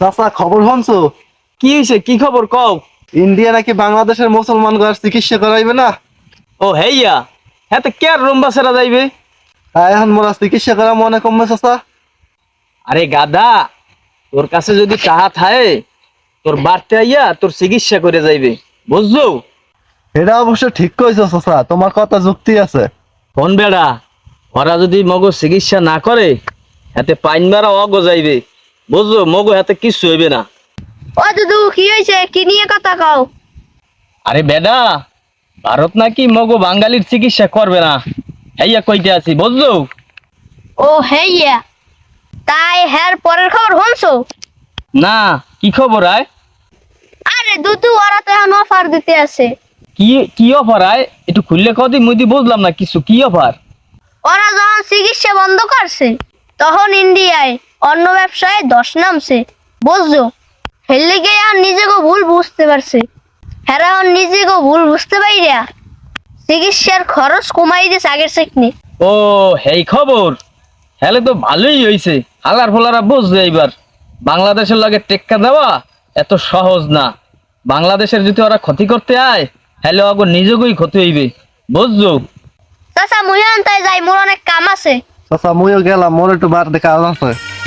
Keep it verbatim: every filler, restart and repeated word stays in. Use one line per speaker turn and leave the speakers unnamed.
চাচা খবর শুনছো?
কি হইছে? কি খবর কও?
ইন্ডিয়া নাকি বাংলাদেশের মুসলমান গার চিকিৎসা করাইবে না।
ও হেইয়া, হ্যাঁ তো কে আর রুম্বাসেরা যাইবে?
তাই এখন মোরা চিকিৎসা করা মনে কমবে চাচা।
আরে গাদা, তোর কাছে যদি টাহা থাকে তোর বাড়তে আইয়া তোর চিকিৎসা করে যাইবে, বুঝছো?
এটা অবশ্য ঠিক কইছো চাচা, তোমার কথা যুক্তি আছে।
কোন বেড়া, ওরা যদি মগো চিকিৎসা না করে হাতে পাইন মারা অগো যাইবে, বুঝছো? মগো হাতে কিচ্ছু হইবে না।
ও দুদু, কি হয়েছে? কি নিয়ে কথা কও?
আরে বেডা, ভারত নাকি মগো বাঙালির চিকিৎসা করবে না, হেইয়া কইতে আছি, বুঝছো?
ও হেইয়া, তাই হ্যার পরের খবর শুনছো?
না, কি খবর আয়?
আরে দুদু, ওরা তো এখন অফার দিতে আছে।
কি কি অফার আয়? একটু খুললে কদি মুদি বুঝলাম না কিছু, কি অফার?
ওরা যখন চিকিৎসা বন্ধ করছে তখন ইন্ডিয়ায় অন্য ব্যবসায় দশ নামছে, বুঝছো? হেললে গিয়ে আর নিজেকে ভুল বুঝতে পারছে। হ্যাঁ, এখন নিজেকে ভুল বুঝতে পাইরা চিকিৎসার খরচ কমাই দিয়েছে আগের চেকনি।
ও হেই খবর, হেলে তো ভালোই হইছে। হালার ফলারা বুঝবে এইবার বাংলাদেশের লাগে টেক্কা দেওয়া এত সহজ না। বাংলাদেশের যদি ওরা ক্ষতি করতে আয় হেলে অগর নিজেকেই ক্ষতি হইবে, বুঝছো?
চাচা মুই তাই যাই, মোর অনেক কাম আছে।
চাচা মুইও গেলাম, মোর একটু বার দেখা আছে।